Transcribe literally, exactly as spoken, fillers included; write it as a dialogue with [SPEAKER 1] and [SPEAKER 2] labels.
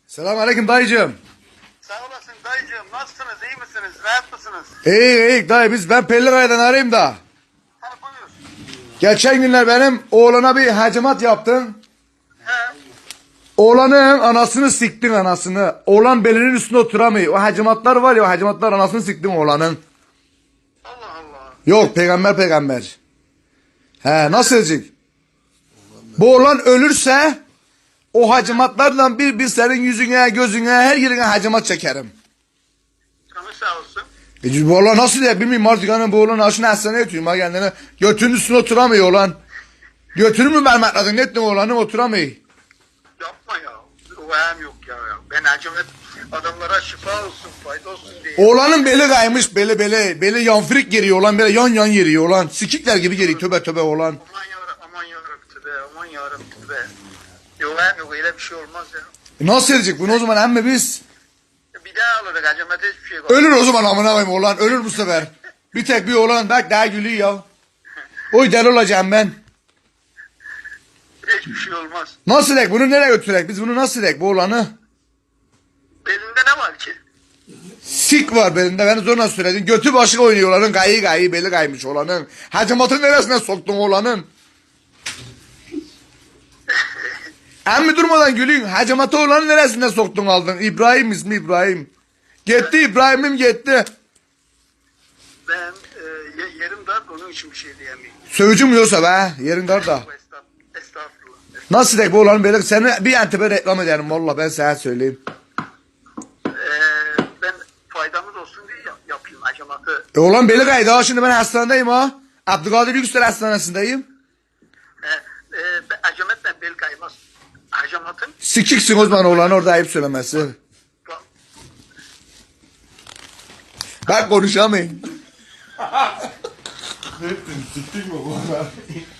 [SPEAKER 1] Selamünaleyküm dayıcığım.
[SPEAKER 2] Sağ olasın dayıcığım. Nasılsınız? İyi misiniz? Rahat mısınız?
[SPEAKER 1] İyi iyi dayı, biz ben Pellikaya'dan arayayım da.
[SPEAKER 2] Ha buyur.
[SPEAKER 1] Geçen günler benim oğlana bir hacimat yaptın.
[SPEAKER 2] He.
[SPEAKER 1] Oğlanın anasını siktin anasını. Oğlan belinin üstünde oturamıyor. O hacimatlar var ya, o hacimatlar anasını siktin oğlanın.
[SPEAKER 2] Allah Allah.
[SPEAKER 1] Yok, peygamber peygamber. He, nasıl edecek? Bu oğlan ölürse o hacimatlarla bir bir senin yüzüne, gözüne, her yerine hacimat çekerim.
[SPEAKER 2] Canı sağ olsun.
[SPEAKER 1] E, bu oğlan nasıl diye bilmiyorum artık, hani bu oğlan aşına hastaneye götürüyorum ha kendine. Götünün üstüne oturamıyor oğlan. Götünü mü mermetledin, ne ettin oğlanı, oturamıyor.
[SPEAKER 2] Yapma ya. O ayağım yok ya. ya. Ben acımet adamlara şifa olsun, fayda olsun diye.
[SPEAKER 1] Oğlanın beli kaymış, beli beli. Beli yanfrik geriyor oğlan, böyle yan yan yeriyor oğlan. Sikikler gibi geriyor, töbe töbe oğlan.
[SPEAKER 2] Aman yarabbim, aman yarabbim be, aman yarabbim be. Yok ayağım yok, öyle bir şey olmaz ya.
[SPEAKER 1] E, nasıl edecek bunu o zaman emmi biz?
[SPEAKER 2] Bir daha alırız acımete hiçbir şey yok.
[SPEAKER 1] Ölür o zaman amına koyayım oğlan, ölür bu sefer. Bir tek bir oğlan bak daha gülüyor ya. Oy deli olacağım ben.
[SPEAKER 2] Hiçbir şey olmaz.
[SPEAKER 1] Nasıl edek bunu, nereye götürek biz bunu, nasıl edek bu oğlanı?
[SPEAKER 2] Belinde ne var ki?
[SPEAKER 1] Sik var belinde, beni zorla söyledin. Götü başı oynuyor oğlanın, gayı gayı beli kaymış oğlanın. Hacamatın neresine soktun oğlanın? Emmi durmadan gülüyün. Hacamatı oğlanın neresine soktun aldın? İbrahim ismi İbrahim. Gitti İbrahim'im gitti.
[SPEAKER 2] Ben e, ye- yerim dar, onun için bir şey diyemeyim.
[SPEAKER 1] Sövücüm yoksa be, yerin dar da.
[SPEAKER 2] Estağfurullah. Estağfurullah.
[SPEAKER 1] Nasıl dek bu oğlanın böyle, seni bir entebe reklam ederim valla, ben sana söyleyeyim.
[SPEAKER 2] Ee, ben faydamız olsun diye yap- yapayım hacamatı.
[SPEAKER 1] E oğlan beli kaydı ha, şimdi ben hastanedeyim ha. Abdülkadir Yüksel Hastanesi'ndeyim.
[SPEAKER 2] Ee, e, ben, hacametle bel kaymaz. Hacamatın
[SPEAKER 1] Sikiksin o zaman oğlan, orada ayıp söylemesi. Ben konuşamayayım.
[SPEAKER 3] Ne ettin? Siktin mi bu?